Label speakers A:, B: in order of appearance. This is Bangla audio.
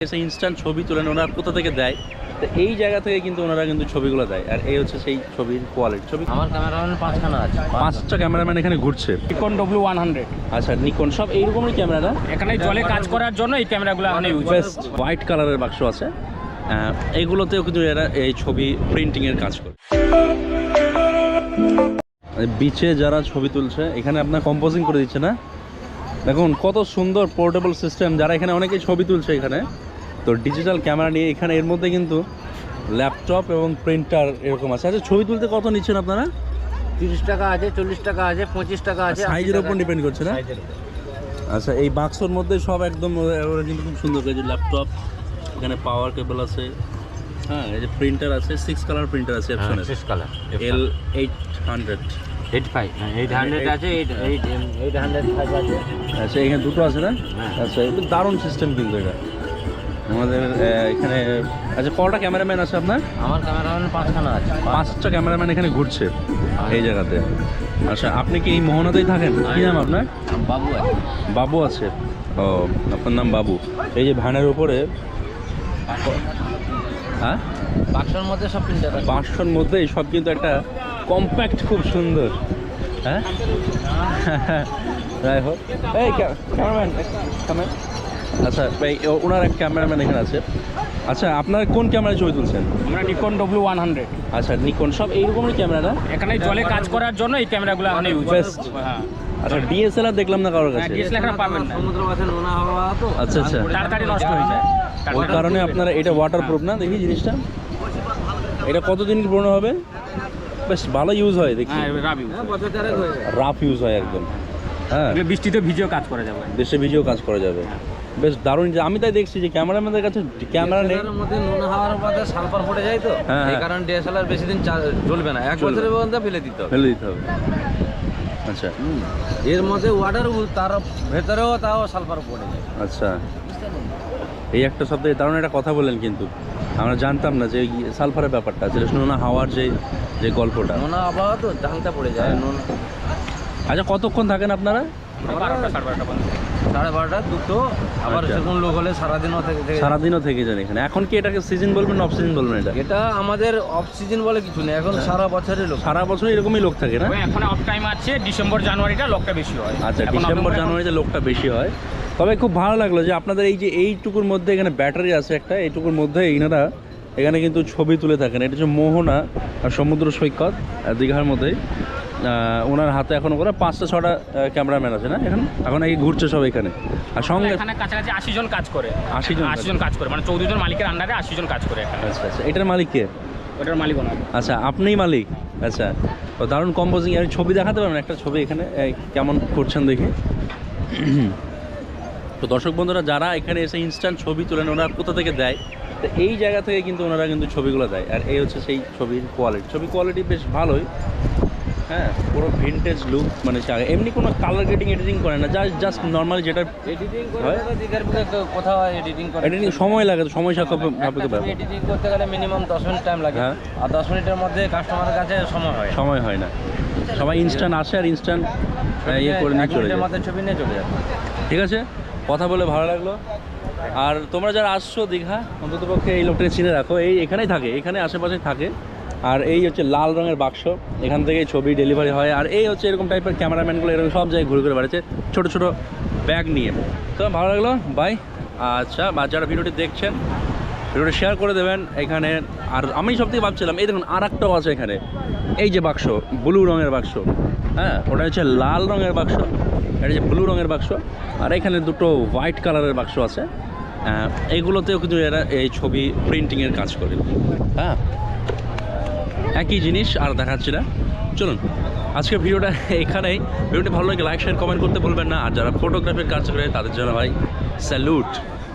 A: এসে ইনস্ট্যান্ট ছবি তোলেন ওনারা কোথা থেকে দেয়, তো এই জায়গা থেকে কিন্তু ওনারা কিন্তু ছবিগুলো দেয়। আর এই হচ্ছে সেই ছবির কোয়ালিটি। ছবি
B: আমার ক্যামেরাম্যান 5খানা আছে,
A: 5টা ক্যামেরাম্যান এখানে ঘুরছে।
C: নিকন W100
A: আচ্ছা, নিকন সব এইরকমই ক্যামেরা না?
C: এখানে জলে কাজ করার জন্য এই ক্যামেরাগুলো এখানে ইউজ
A: বেস্ট হোয়াইট কালারের বাক্স আছে, এইগুলোতেও কিন্তু এরা এই ছবি প্রিন্টিংয়ের কাজ করে। বিচে যারা ছবি তুলছে এখানে আপনার কম্পোজিং করে দিচ্ছে না, দেখুন কত সুন্দর পোর্টেবল সিস্টেম। যারা এখানে অনেকেই ছবি তুলছে এখানে, তো ডিজিটাল ক্যামেরা নিয়ে এখানে এর মধ্যে কিন্তু ল্যাপটপ এবং প্রিন্টার এরকম আছে। আচ্ছা, ছবি তুলতে কত নিচ্ছেন আপনারা?
B: 30 টাকা আছে, 40 টাকা আছে, 25 টাকা আছে,
A: সাইজের উপর ডিপেন্ড করছে না? আচ্ছা, এই বাক্সর মধ্যে সব একদম ওরা কিন্তু খুব সুন্দর করে, যে ল্যাপটপ, এখানে পাওয়ার কেবল আছে, হ্যাঁ, এই যে প্রিন্টার আছে, 6 কালার প্রিন্টার আছে অপশনে,
B: 6 কালার
A: L800
B: 800 আছে, 805 আছে।
A: আচ্ছা, এখানে দুটো আছে না? আচ্ছা, এটা দারুণ সিস্টেম কিন্তু এটা আমাদের এখানে। আচ্ছা, কটা ক্যামেরাম্যান আছে আপনার?
B: আমার ক্যামেরাম্যান 5খানা আছে,
A: 5টা ক্যামেরাম্যান এখানে ঘুরছে এই জায়গাতে। আচ্ছা, আপনি কি এই মোহনাতেই থাকেন? কি নাম আপনার?
B: বাবু আছে।
A: বাবু আছে, ও আপনার নাম বাবু। এই যে ভ্যানের উপরে, হ্যাঁ,
B: বাক্সের মধ্যে সব প্রিন্টার আছে,
A: বাক্সর মধ্যে সব কিন্তু একটা কম্প্যাক্ট, খুব সুন্দর। হ্যাঁ, যাই হোক, এই ক্যামেরাম্যান। আচ্ছা, ওনার এক ক্যামেরাম্যান এখানে আছে। আচ্ছা, আপনার কোন ক্যামেরায় ছবি তুলছেন?
C: আমরা নিকন W100
A: আচ্ছা, নিকন সব এইরকমই ক্যামেরা না?
C: এখানে জলে কাজ করার জন্য এই ক্যামেরাগুলো এখানে ইউজ
A: বেস্ট।
C: হ্যাঁ,
A: আচ্ছা, ডিএসএলআর দেখলাম না কারোর কাছে।
C: ডিএসএলআর এখানে পাবেন না,
B: সমুদ্র মাছের নোনা হাওয়া তো
A: আচ্ছা আচ্ছা,
C: তাড়াতাড়ি নষ্ট হয়ে যায়।
A: ওই কারণে আপনারা এটা ওয়াটারপ্রুফ না? দেখি জিনিসটা, এটা কতদিন পুরনো হবে? বেশ ভালো ইউজ হয় দেখি,
C: হ্যাঁ, রাবি
B: বছর চারেক হয়ে যায়।
A: রাফ ইউজ হয় একদম। হ্যাঁ,
C: এগুলো বৃষ্টিতে ভিজেও কাজ করা যাবে।
A: দেশে ভিডিও কাজ করা যাবে, বেশ দারুণ। যে আমি তাই দেখছি যে ক্যামেরাম্যানদের কাছে ক্যামেরা নেই,
B: এর মধ্যে নোনা হাওয়ার মধ্যে সালফার পড়ে যায় তো,
A: হ্যাঁ,
B: এই
A: হ্যাঁ।
B: কারণে ডিএসএলআর বেশি দিন চলবে না, 1
A: চলবে
B: বছরের মধ্যে ফেলে দিতে হবে।
A: ফেলে দিতে হবে। আচ্ছা
B: এর মধ্যে ওয়াটার, তার ভেতরেও তাও সালফার পড়ে যায়।
A: আচ্ছা, এই একটা শব্দে দারুণ একটা কথা বললেন, কিন্তু আমরা জানতাম না যে সালফারের ব্যাপারটা, যেটা নোনা হাওয়ার যে যে গল্পটা।
B: নোনা আবহাওয়া তো জাংটা পড়ে যায়। নোনা
A: আচ্ছা, কতক্ষণ থাকেন আপনারা?
C: 12টা 12:30 পর্যন্ত।
B: 12:30 দুটো, আবার
A: আচ্ছা।
B: সেরকম লোক হলে সারাদিনও থেকে থেকে
A: সারাদিনও থেকে যান এখানে। এখন কি এটাকে সিজন বলবেন না অফ সিজন বলবেন? এটা
B: এটা আমাদের অফ সিজন বলে কিছু নেই, এখন সারা বছরই লোক।
A: সারা বছর এরকমই লোক থাকে না?
C: ওই এখন অফ টাইম আছে, ডিসেম্বর জানুয়ারিটা লোকটা বেশি হয়।
A: আচ্ছা,
C: এখন
A: ডিসেম্বর
C: নভেম্বর,
A: জানুয়ারিতে লোকটা বেশি হয়। তবে খুব ভালো লাগলো যে আপনাদের এই যে এইটুকুর মধ্যে এখানে ব্যাটারি আছে একটা, এইটুকুর মধ্যে এনারা এখানে কিন্তু ছবি তুলে থাকেন। এটা হচ্ছে মোহনা আর সমুদ্র সৈকত দীঘার মধ্যেই। ওনার হাতে এখন করে 5টা-6টা ক্যামেরাম্যান আছে না এখন এই ঘুরছে সব এখানে। আর সঙ্গে
C: এখানে কাছাকাছি 80 জন কাজ করে।
A: 80 জন
C: 80 জন কাজ করে, মানে 14 জন মালিকের আন্ডারে 80 জন কাজ করে এখানে।
A: আচ্ছা আচ্ছা, এটার মালিক কে?
C: ওটার মালিক ওনার।
A: আচ্ছা, আপনিই মালিক? আচ্ছা, তো দারুণ কম্পোজিং। আর ছবি দেখাতে পারবেন একটা ছবি এখানে কেমন করছেন দেখি? তো দর্শক বন্ধুরা, যারা এখানে এসে ইনস্ট্যান্ট ছবি তোলেন ওনারা কোথা থেকে দেয়, তো এই জায়গা থেকে কিন্তু ওনারা কিন্তু ছবিগুলো দেয়। আর এই হচ্ছে সেই ছবির কোয়ালিটি। ছবি কোয়ালিটি বেশ ভালোই, হ্যাঁ, পুরো ভিনটেজ লুক। মানে এমনি কোনো কালার গ্রেডিং এডিটিং করে না, জাস্ট নর্মালি যেটা
B: এডিটিং করে
A: হয়।
B: তো দিঘার বুকে কোথাও এডিটিং করে,
A: এডিটিং সময় লাগে, তো সময় সাপেক্ষ ব্যাপার,
B: এডিটিং করতে গেলে মিনিমাম 10 মিনিট টাইম লাগে,
A: হ্যাঁ।
B: আর 10 মিনিটের মধ্যে কাস্টমারের কাছে সময় হয়।
A: সময় হয় না। সবাই ইনস্ট্যান্ট আসে আর ইনস্ট্যান্ট ইয়ে করে নিয়ে
B: 1
A: চলে
B: মিনিটের
A: যায়।
B: মধ্যে ছবি নিয়ে চলে যাবে।
A: ঠিক আছে, কথা বলে ভালো লাগলো। আর তোমরা যারা আসছো দীঘা, অন্তত পক্ষে এই লোকটাকে চিনে রাখো, এই এখানেই থাকে, এখানে আশেপাশে থাকে। আর এই হচ্ছে লাল রঙের বাক্স, এখান থেকে ছবি ডেলিভারি হয়। আর এই হচ্ছে এরকম টাইপের ক্যামেরাম্যানগুলো এরকম সব জায়গায় ঘুরে ঘুরে বেড়াচ্ছে ছোটো ছোটো ব্যাগ নিয়ে। তো ভালো লাগলো, বাই। আচ্ছা, বা যারা ভিডিওটি দেখছেন, ভিডিওটি শেয়ার করে দেবেন এখানে। আর আমি সব থেকে ভাবছিলাম, এই দেখুন আর একটাও আছে এখানে, এই যে বাক্স, ব্লু রঙের বাক্স, হ্যাঁ, ওটা হচ্ছে লাল রঙের বাক্স, এটা হচ্ছে ব্লু রঙের বাক্স। আর এখানে দুটো হোয়াইট কালারের বাক্স আছে, এইগুলোতেও কিন্তু এরা এই ছবি প্রিন্টিংয়ের কাজ করে। হ্যাঁ, একই জিনিস আর দেখাচ্ছি না। চলুন আজকের ভিডিওটা এখানেই। ভিডিওটি ভালো লাগে লাইক শেয়ার কমেন্ট করতে বলবেন না। আর যারা ফটোগ্রাফির কাজ করে তাদের জন্য ভাই স্যালুট।